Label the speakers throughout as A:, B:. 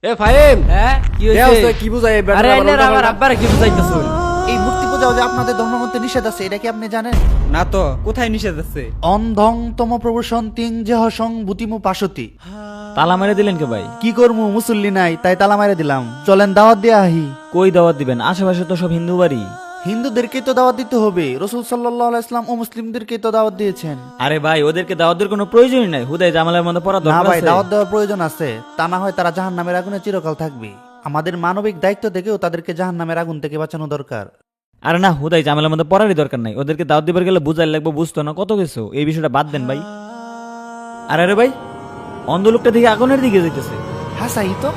A: এ ফাহিম,
B: হ্যাঁ কি
A: এ
B: হইছে?
A: ওস্তাদ কি বুঝাই?
B: আরে এনার আমার আব্বারে কি বুঝাইতাছুন?
C: এই মূর্তি পূজা যে আপনাদের ধর্মগ্রন্থে নিষেধ আছে, এটা কি আপনি জানেন?
D: না তো, কোথায় নিষেধ আছে?
C: অন্ধং তম প্রবসন তিং যেহসং বুতিমু পাশতি।
E: তালা মেরে দিলেন কে ভাই?
C: কি করমু, মুসল্লি নাই তাই তালা মারে দিলাম। চলেন দাওয়াত দিয়ে আহি।
E: কই দাওয়াত দিবেন? আশেপাশে তো সব হিন্দু বাড়ি।
C: হিন্দুদেরকে তো দাওয়াত দিতে হবে, রাসূল সাল্লাল্লাহু আলাইহি ওয়াসাল্লাম ও মুসলিমদেরকে তো দাওয়াত দিয়েছেন।
E: আরে ভাই, ওদেরকে দাওয়াত দেওয়ার কোনো প্রয়োজনই নাই। হুদাই জামালের মধ্যে পড়া
C: না
E: দরকার
C: ভাই,
E: আছে।
C: দাওয়াত দেওয়ার প্রয়োজন আছে, তা না হয় তারা জাহান্নামের আগুনে চিরকাল থাকবে। আমাদের মানবিক দায়িত্ব থেকেও তাদেরকে জাহান্নামের আগুন থেকে বাঁচানো দরকার।
E: আরে না, হুদাই জামালের মধ্যে পড়ারই দরকার নাই। ওদেরকে দাওয়াত দিবার গেলে বুঝাই লাগবে, বুঝতো না কত কিছু। এই বিষয়টা বাদ দেন ভাই। আরে ভাই, অন্ধ লোকটা দিকে আগুনের দিকে যেতেছে।
C: হ্যাঁ সাই তো।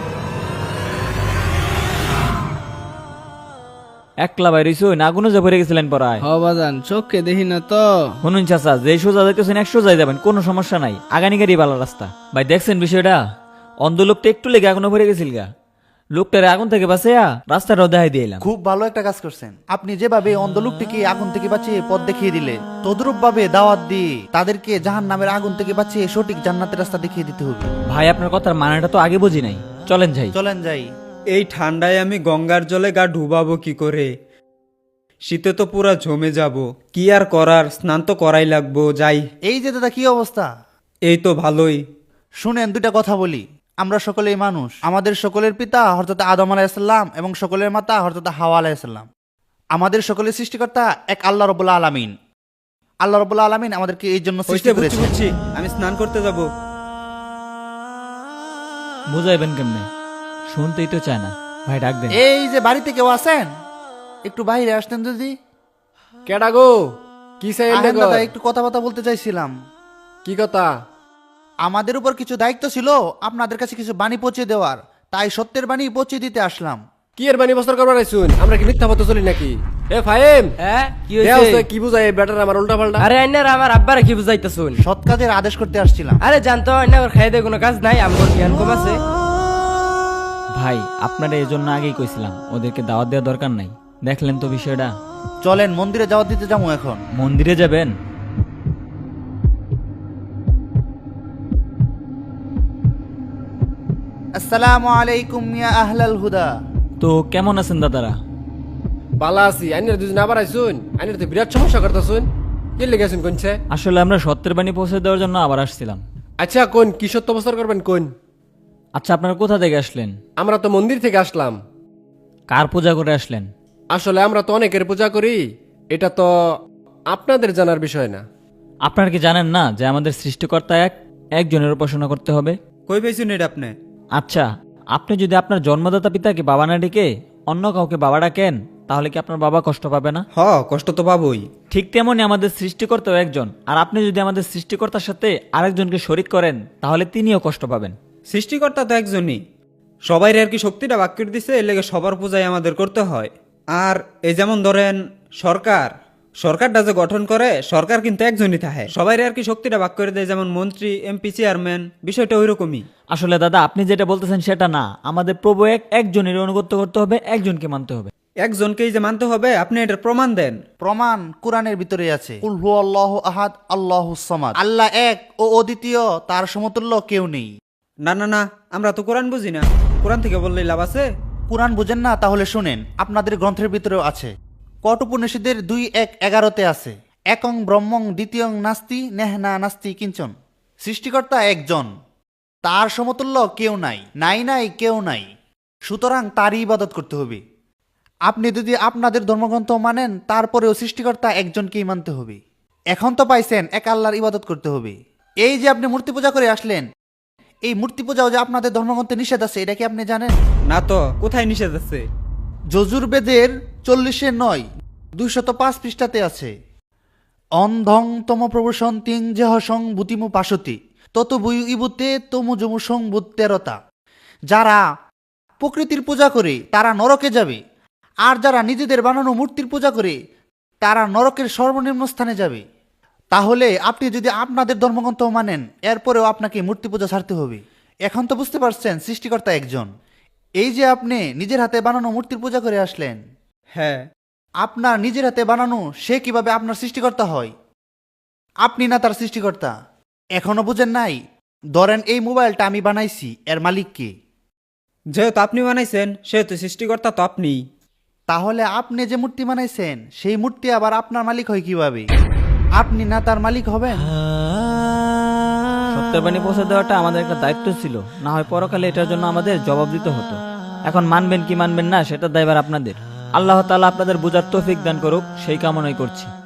E: একলা বাইরে না আগুনে যে ভরে গেছিলেন পড়ায়।
A: হ বাজান, চোখকে দেখি না তো।
E: শুনুন চাচা, যে সোজা দেখতেছেন 100 যাই যাবেন, কোনো সমস্যা নাই। আগানি গাড়ি ভালো রাস্তা। ভাই দেখছেন বিষয়টা? অন্ধ লোকটা একটু লেগে আগুনে ভরে গেছিল গা। লোকটারে আগুন থেকে বাঁচাইয়া রাস্তাটাও দেখাই দিলাম।
C: খুব ভালো একটা কাজ করছেন আপনি। যেভাবে অন্ধ লোকটিকে আগুন থেকে বাঁচিয়ে পথ দেখিয়ে দিলে, তদ্রূপ ভাবে দাওয়াত দিয়ে তাদেরকে জাহান্নামের আগুন থেকে বাঁচিয়ে সঠিক জান্নাতের রাস্তা দেখিয়ে দিতে হবে।
E: ভাই আপনার কথার মানেটা তো আগে বুঝি নাই। চলেন যাই।
C: চলেন যাই।
D: এই ঠান্ডায় আমি গঙ্গার জলে গা ডুবাবো কি করে? শীতে তো পুরা জমে যাব। কি আর করার, স্নান তো করাই লাগবো। যাই।
C: এই যে দাদা, কি অবস্থা?
D: এই তো ভালোই।
C: শুনেন, দুইটা কথা বলি। আমরা সকলেই মানুষ। আমাদের সকলের পিতা হযরত আদম আলাইহিসসালাম এবং সকলের মাতা হযরত হাওয়া আলাইহিসসালাম। আমাদের সকলের সৃষ্টিকর্তা এক আল্লাহ রাব্বুল আলামিন। আল্লাহ রাব্বুল আলামিন আমাদেরকে এই জন্য সৃষ্টি
D: হইছে, বুঝছি
C: করেছেন।
D: বুঝছি। আমি স্নান করতে যাব।
E: বুঝাইবেন কেমনে? শুনতেই তো চায় না। ভাই ডাক দেন।
C: এই যে বাড়িতে কেউ আছেন, একটু বাইরে আসতেন যদি।
A: কেডা গো? কি চাই
C: আহেন দাদা, একটু কথাবার্তা বলতে চাইছিলাম।
A: কি কথা?
C: আমাদের উপর কিছু দায়িত্ব ছিল আপনাদের কাছে কিছু বাণী পৌঁছে দেওয়ার, তাই সত্যের বাণী পৌঁছে দিতে আসলাম।
A: কি এর বানি বস্তর করবার আইছুন? আমরা কি মিথ্যা পথে চলি নাকি? এ ফাহিম,
B: হ্যাঁ কি
A: এ
B: হইছে?
A: ওস্তাদ কি বুঝাই? বেটার আমার উল্টা পাল্টা।
B: আরে এনার আমার আব্বারে কি বুঝাইতাছুন?
C: সৎ কাজের আদেশ করতে আসছিলাম।
B: আরে জানতো এনার খাইয়ে দেয় কোনো কাজ নাই, আমার জ্ঞান কম আছে।
E: ভাই আপনারা এই জন্য আগেই কইছিলাম ওদেরকে দাওয়াত দেওয়ার দরকার নাই। দেখলেন তো বিষয়টা?
C: চলেন মন্দিরে যাওয়া দিতে যাবো এখন।
E: মন্দিরে যাবেন?
C: আসসালামু আলাইকুম ইয়া আহলাল হুদা।
E: তো কেমন আছেন দাদারা?
A: বালা আছি। আইনের দুজন আবার আইছুন। আইনের তো বিরাট সমস্যা করতেছুন। কি লেগেছুন কোনছে?
E: আসলে আমরা সত্যের বাণী পৌঁছে দেওয়ার জন্য আবার আসছিলাম।
A: আচ্ছা কোন কি সত্য বস্তর করবেন কোন?
E: আচ্ছা আপনারা কোথা থেকে আসলেন?
A: আমরা তো মন্দির থেকে আসলাম।
E: কার পূজা করে আসলেন?
A: আসলে আমরা তো অনেকের পূজা করি, এটা তো আপনাদের জানার বিষয় না।
E: আপনারা কি জানেন না যে আমাদের সৃষ্টিকর্তা একজনের উপাসনা করতে হবে?
D: কই পেয়েছুন এটা আপনি?
E: আচ্ছা, আপনি যদি আপনার জন্মদাতা পিতাকে বাবা না ডেকে অন্য কাউকে বাবা ডাকেন, তাহলে কি আপনার বাবা কষ্ট পাবে না?
D: হ, কষ্ট তো পাবোই।
E: ঠিক তেমনই আমাদের সৃষ্টিকর্তাও একজন। আর আপনি যদি আমাদের সৃষ্টিকর্তার সাথে আরেকজনকে শরিক করেন, তাহলে তিনিও কষ্ট পাবেন।
D: সৃষ্টিকর্তা তো একজনই। সবাই আর কি শক্তিটা ভাগ করে দিছে, এর লেগে সবার পূজাই আমাদের করতে হয়। আর এই যেমন ধরেন সরকারটা যে গঠন করে, সরকার কিন্তু একজনই থাকে। সবাই আর কি শক্তিটা ভাগ করে দেয়, যেমন মন্ত্রী, এমপি, চেয়ারম্যান, বিষয়টা ওই রকমই।
E: আসলে দাদা, আপনি যেটা বলতেছেন সেটা না। আমাদের প্রভু একজনের অনুগত্য করতে হবে, একজনকে মানতে হবে।
D: একজনকেই যে মানতে হবে, আপনি এটার প্রমাণ দেন।
C: প্রমাণ কোরআনের ভিতরে আছে। কুল হুয়াল্লাহু আহাদ আল্লাহুস সামাদ। আল্লাহ এক ও অদ্বিতীয়, তার সমতুল্য কেউ নেই।
D: না না না, আমরা তো কোরআন বুঝি না। কোরআন থেকে বললেই লাভ আছে?
C: কোরআন বুঝেন না? তাহলে শুনেন, আপনাদের গ্রন্থের ভিতরেও আছে। কঠোপনিষদের 2:1-11 আছে, একং ব্রহ্মং দ্বিতীয়ং নাস্তি নেহনা নাস্তি কিঞ্চন। সৃষ্টিকর্তা একজন, তার সমতুল্য কেউ নাই, নাই নাই কেউ নাই। সুতরাং তারই ইবাদত করতে হবে। আপনি যদি আপনাদের ধর্মগ্রন্থ মানেন, তারপরেও সৃষ্টিকর্তা একজনকেই মানতে হবে। এখন তো পাইছেন এক আল্লাহর ইবাদত করতে হবে। এই যে আপনি মূর্তি পূজা করে আসলেন, এই মূর্তি পূজাও যে আপনাদের ধর্মগ্রন্থে নিষেধ আছে, এটা কি আপনি জানেন?
D: না তো, কোথায় নিষেধ আছে?
C: যজুর্বেদের 40-9 205 পৃষ্ঠাতে আছে। অন্ধং তম প্রবসন তিং যেহসং বুতিমু পাশতি তত বুয়ু ইবুতে তমু জমু সং বুত 13টা। যারা প্রকৃতির পূজা করে তারা নরকে যাবে, আর যারা নিজেদের বানানো মূর্তির পূজা করে তারা নরকের সর্বনিম্ন স্থানে যাবে। তাহলে আপনি যদি আপনাদের ধর্মগ্রন্থ মানেন, এরপরেও আপনাকে মূর্তি পূজা ছাড়তে হবে। এখন তো বুঝতে পারছেন সৃষ্টিকর্তা একজন। এই যে আপনি নিজের হাতে বানানো মূর্তির পূজা করে আসলেন,
D: হ্যাঁ।
C: আপনার নিজের হাতে বানানো সে কিভাবে আপনার সৃষ্টিকর্তা হয়? আপনি না তার সৃষ্টিকর্তা। এখনো বুঝেন নাই? ধরেন এই মোবাইলটা আমি বানাইছি, এর মালিক কে?
D: যেহেতু আপনি বানাইছেন সেহেতু সৃষ্টিকর্তা তো আপনিই।
C: তাহলে আপনি যে মূর্তি বানাইছেন সেই মূর্তি আবার আপনার মালিক হয় কিভাবে? আপনি না তার মালিক হবেন?
E: সত্যের বাণী পৌঁছে দেওয়াটা আমাদের একটা দায়িত্ব ছিল, না হয় পরকালে এটার জন্য আমাদের জবাব দিতে হতো। এখন মানবেন কি মানবেন না সেটা দায়ভার আপনাদের। আল্লাহ তাআলা আপনাদের বুঝার তৌফিক দান করুক, সেই কামনাই করছি।